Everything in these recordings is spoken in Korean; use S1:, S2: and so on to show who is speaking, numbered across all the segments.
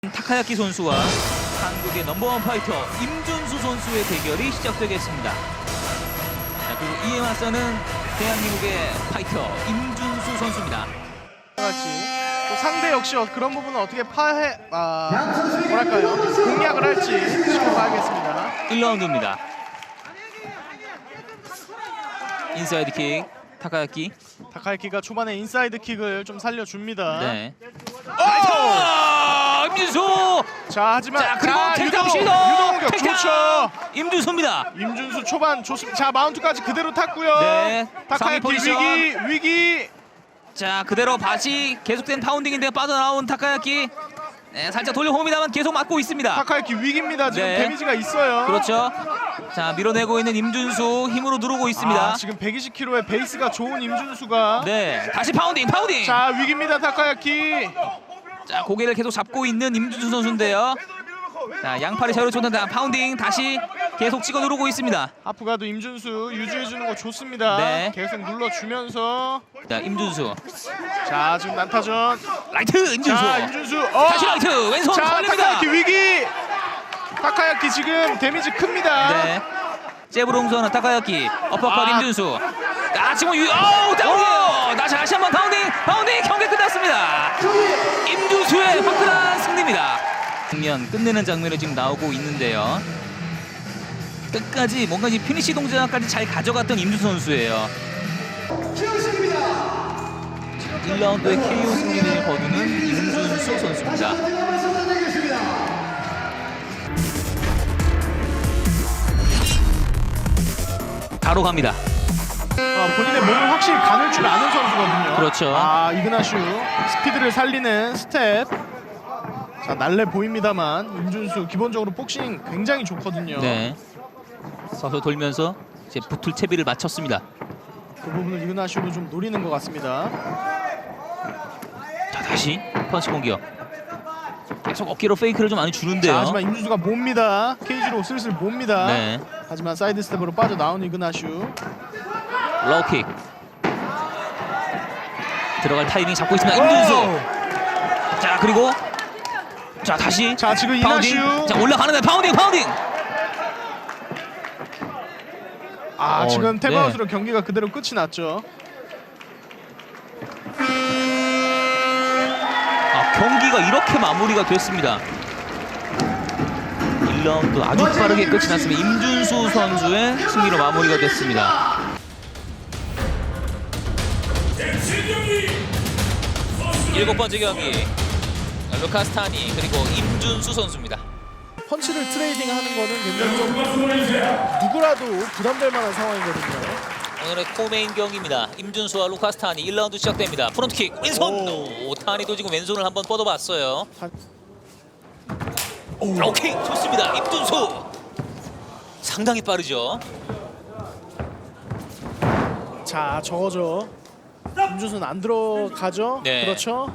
S1: 타카야키 선수와 한국의 넘버원 파이터 임준수 선수의 대결이 시작되겠습니다. 자, 그리고 이에 맞서는 대한민국의 파이터 임준수 선수입니다.
S2: 같이 또 상대 역시 그런 부분은 어떻게 뭐랄까요, 공략을 할지 지켜봐야겠습니다.
S1: 1라운드입니다. 인사이드 킥 타카야키.
S2: 타카야키가 초반에 인사이드 킥을 좀 살려줍니다.
S1: 네. 오! 임준수.
S2: 자, 하지만
S1: 그리고 택다운 시도.
S2: 유동격 좋죠.
S1: 임준수입니다.
S2: 임준수 초반 좋습니다. 자, 마운트까지 그대로 탔고요.
S1: 네.
S2: 타카야키 위기.
S1: 자, 그대로 다시 계속된 파운딩인데 빠져나온 타카야키. 네, 살짝 돌려봅니다만 계속 맞고 있습니다.
S2: 타카야키 위기입니다. 지금
S1: 네.
S2: 데미지가 있어요.
S1: 그렇죠. 자, 밀어내고 있는 임준수 힘으로 누르고 있습니다.
S2: 지금 120kg의 베이스가 좋은 임준수가.
S1: 네, 다시 파운딩.
S2: 자, 위기입니다. 타카야키.
S1: 자, 고개를 계속 잡고 있는 임준수 선수인데요. 자, 양팔이 자유로 쫓는다. 파운딩 다시 계속 찍어 누르고 있습니다.
S2: 하프가드 임준수 유지해주는 거 좋습니다.
S1: 네.
S2: 계속 눌러주면서.
S1: 자, 임준수.
S2: 자, 지금 난타전.
S1: 라이트 임준수.
S2: 자, 임준수.
S1: 다시 라이트 왼손
S2: 자,
S1: 걸립니다.
S2: 타카야키 위기. 타카야키 지금 데미지 큽니다.
S1: 네. 잽으로 홍수하는 타카야키. 어퍼컷 임준수. 지금 다운이에요. 다시 한번 파운딩 경기 끝났습니다. 임준수의 화끈한 승리입니다. 장면 끝내는 장면이 지금 나오고 있는데요. 끝까지 뭔가 이 피니시 동작까지 잘 가져갔던 임준수 선수예요. 1라운드의 KO 승리를 거두는 임준수 선수입니다. 바로 갑니다.
S2: 본인의 몸을 확실히 가눌 줄 아는 선수거든요.
S1: 그렇죠.
S2: 이그나슈 스피드를 살리는 스텝. 자, 날래 보입니다만 임준수 기본적으로 복싱 굉장히 좋거든요.
S1: 네. 서서 돌면서 이제 붙을 채비를 마쳤습니다.
S2: 그 부분을 이그나슈도 좀 노리는 것 같습니다.
S1: 자, 다시 펀치 공격. 계속 어깨로 페이크를 좀 많이 주는데요.
S2: 자, 하지만 임준수가 몹니다. 케이지로 슬슬 몹니다.
S1: 네.
S2: 하지만 사이드 스텝으로 빠져나온 이그나슈.
S1: 로우킥. 들어갈 타이밍 잡고 있습니다. 임준수. 자, 그리고 자, 다시
S2: 자, 지금
S1: 파운딩.
S2: 이나슈.
S1: 자, 올라가는데 파운딩.
S2: 지금
S1: 네.
S2: 탭아웃으로 경기가 그대로 끝이 났죠.
S1: 경기가 이렇게 마무리가 됐습니다. 1라운드 아주 빠르게 끝이 났습니다. 임준수 선수의 승리로 마무리가 됐습니다. 일곱 번째 경기 루카스 타니 그리고 임준수 선수입니다.
S2: 펀치를 트레이딩하는 거는 굉장히 좀 누구라도 부담될 만한 상황이거든요.
S1: 오늘의 코메인 경기입니다. 임준수와 루카스 타니 1라운드 시작됩니다. 프론트킥 왼손. 타니도 지금 왼손을 한번 뻗어봤어요. 로킥 좋습니다. 임준수 상당히 빠르죠.
S2: 자, 저거죠. 임준수는 안 들어가죠.
S1: 네.
S2: 그렇죠.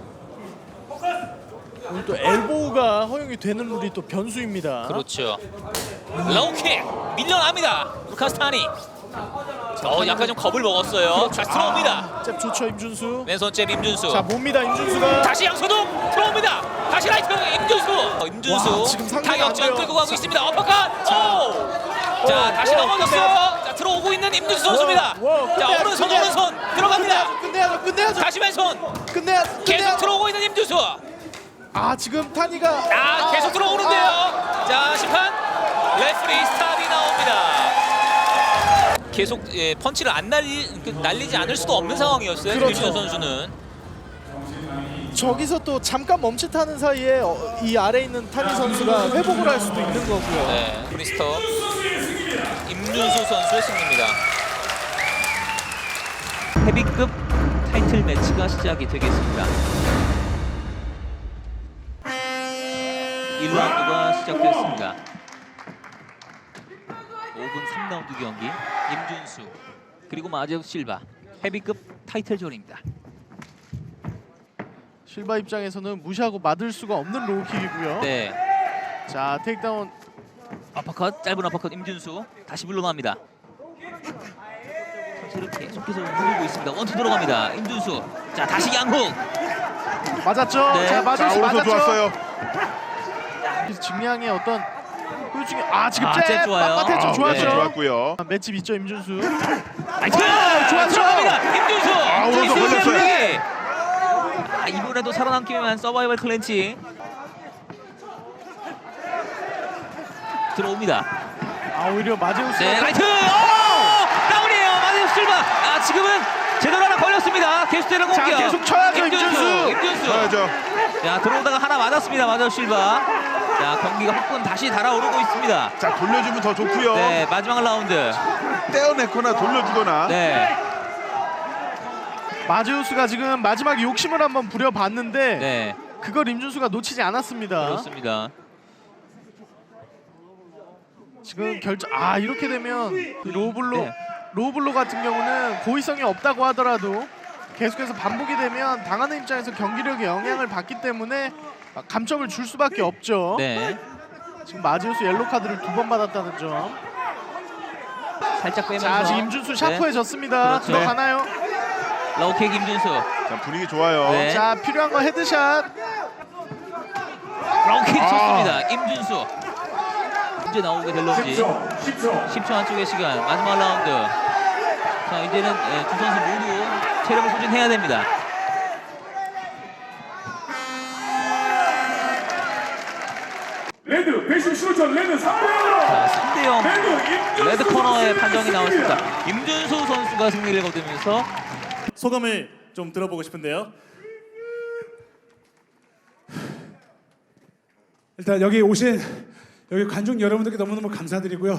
S2: 오늘 또 엘보우가 허용이 되는 룰이 또 변수입니다.
S1: 그렇죠. 로우킥 밀려납니다. 루카스 타니. 약간 좀 겁을 먹었어요. 자, 들어옵니다.
S2: 잽 좋죠, 임준수.
S1: 왼손 잽 임준수.
S2: 자, 몹니다, 임준수가.
S1: 다시 양소동 들어옵니다. 다시 라이트 임준수.
S2: 와, 지금 상대가
S1: 타격전
S2: 안 돼요.
S1: 끌고 가고 있습니다. 어퍼컷. 자, 다시 넘어졌어요. 자, 들어오고 있는 임준수 선수입니다. 자, 오른손 들어갑니다.
S2: 끝내야죠.
S1: 다시 왼손. 계속 들어오고 있는 임준수.
S2: 지금 타니가
S1: 계속 들어오는데요. 자, 심판 레프리 스탑이 나옵니다. 계속 펀치를 안 날리지 않을 수도 없는 상황이었어요.
S2: 그렇죠.
S1: 임준수 선수는.
S2: 저기서 또 잠깐 멈칫하는 사이에 이 아래에 있는 타니 선수가 회복을 할 수도 있는 거고요.
S1: 네, 프리스톱 임준수 선수의 승리입니다. 헤비급 타이틀 매치가 시작이 되겠습니다. 1라운드가 시작됐습니다. 5분 3라운드 경기 임준수 그리고 마제우 실바 헤비급 타이틀전입니다.
S2: 실바 입장에서는 무시하고 맞을 수가 없는 로우킥이고요.
S1: 네,
S2: 자, 테이크다운.
S1: 어퍼컷 짧은 어퍼컷 임준수 다시 물러납니다. 선수를 계속해서 누르고 있습니다. 원투 들어갑니다. 임준수. 자, 다시 양훅.
S2: 맞았죠?
S1: 네.
S2: 자, 맞았죠.
S3: 오른손 좋았어요.
S2: 그래서 직량의 어떤 후유증이 지금
S1: 잽
S2: 잽
S1: 좋아요.
S2: 빳빳했죠. 좋았죠.
S3: 좋았고요.
S2: 맷집 있죠 임준수.
S1: 나이스!
S2: 좋았죠.
S1: 들어갑니다. 임준수.
S3: 오른손
S1: 임준수의
S3: 걸렸어요.
S1: 분위기. 이번에도 살아남기 위한 서바이벌 클렌치 들어옵니다.
S2: 오히려 마제우스.
S1: 네, 라이트. 다운이에요. 마제우스 실바. 지금은 제대로 하나 걸렸습니다. 계속되는 공격.
S2: 자, 계속 쳐야죠, 임준수.
S3: 쳐야죠.
S1: 자, 들어오다가 하나 맞았습니다. 마제우스 실바. 자, 경기가 혹은 다시 달아오르고 있습니다.
S3: 자, 돌려주면 더 좋고요.
S1: 네, 마지막 라운드.
S3: 떼어내거나 돌려주거나.
S1: 네,
S2: 마제우스가 지금 마지막 욕심을 한번 부려봤는데
S1: 네,
S2: 그걸 임준수가 놓치지 않았습니다.
S1: 그렇습니다.
S2: 지금 결정 이렇게 되면 그 로블로
S1: 네.
S2: 로블로 같은 경우는 고의성이 없다고 하더라도 계속해서 반복이 되면 당하는 입장에서 경기력에 영향을 받기 때문에 감점을 줄 수밖에 없죠.
S1: 네,
S2: 지금 마지우스 옐로 카드를 2번 받았다는 점.
S1: 살짝 빼면서.
S2: 자, 지금 임준수 샤프해졌습니다.
S1: 그렇죠.
S2: 들어가나요?
S1: 로우킥 임준수.
S3: 자, 분위기 좋아요.
S1: 네.
S2: 자, 필요한 거 헤드샷.
S1: 로우킥 쳤습니다. 임준수. 언제 나오게 될런지 10초 안쪽의 시간. 마지막 라운드. 자, 이제는 두 선수 모두 체력을 소진해야 됩니다.
S4: 레드 115점 레드 3대0으로
S1: 자, 3대0 레드 코너의 판정이 나왔습니다. 임준수 선수가 승리를 거두면서
S5: 소감을 좀 들어보고 싶은데요.
S4: 일단 여기 오신 여기 관중 여러분들께 너무너무 감사드리고요.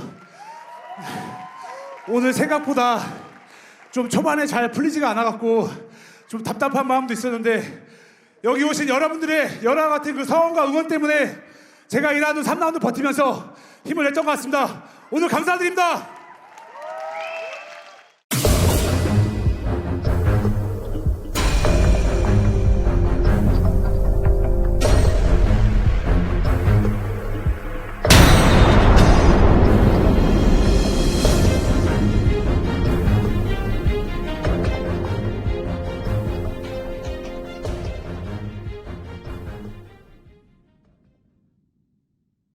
S4: 오늘 생각보다 좀 초반에 잘 풀리지가 않아갖고 좀 답답한 마음도 있었는데 여기 오신 여러분들의 열화 같은 그 성원과 응원 때문에 제가 2라운드, 3라운드 버티면서 힘을 냈던 것 같습니다. 오늘 감사드립니다.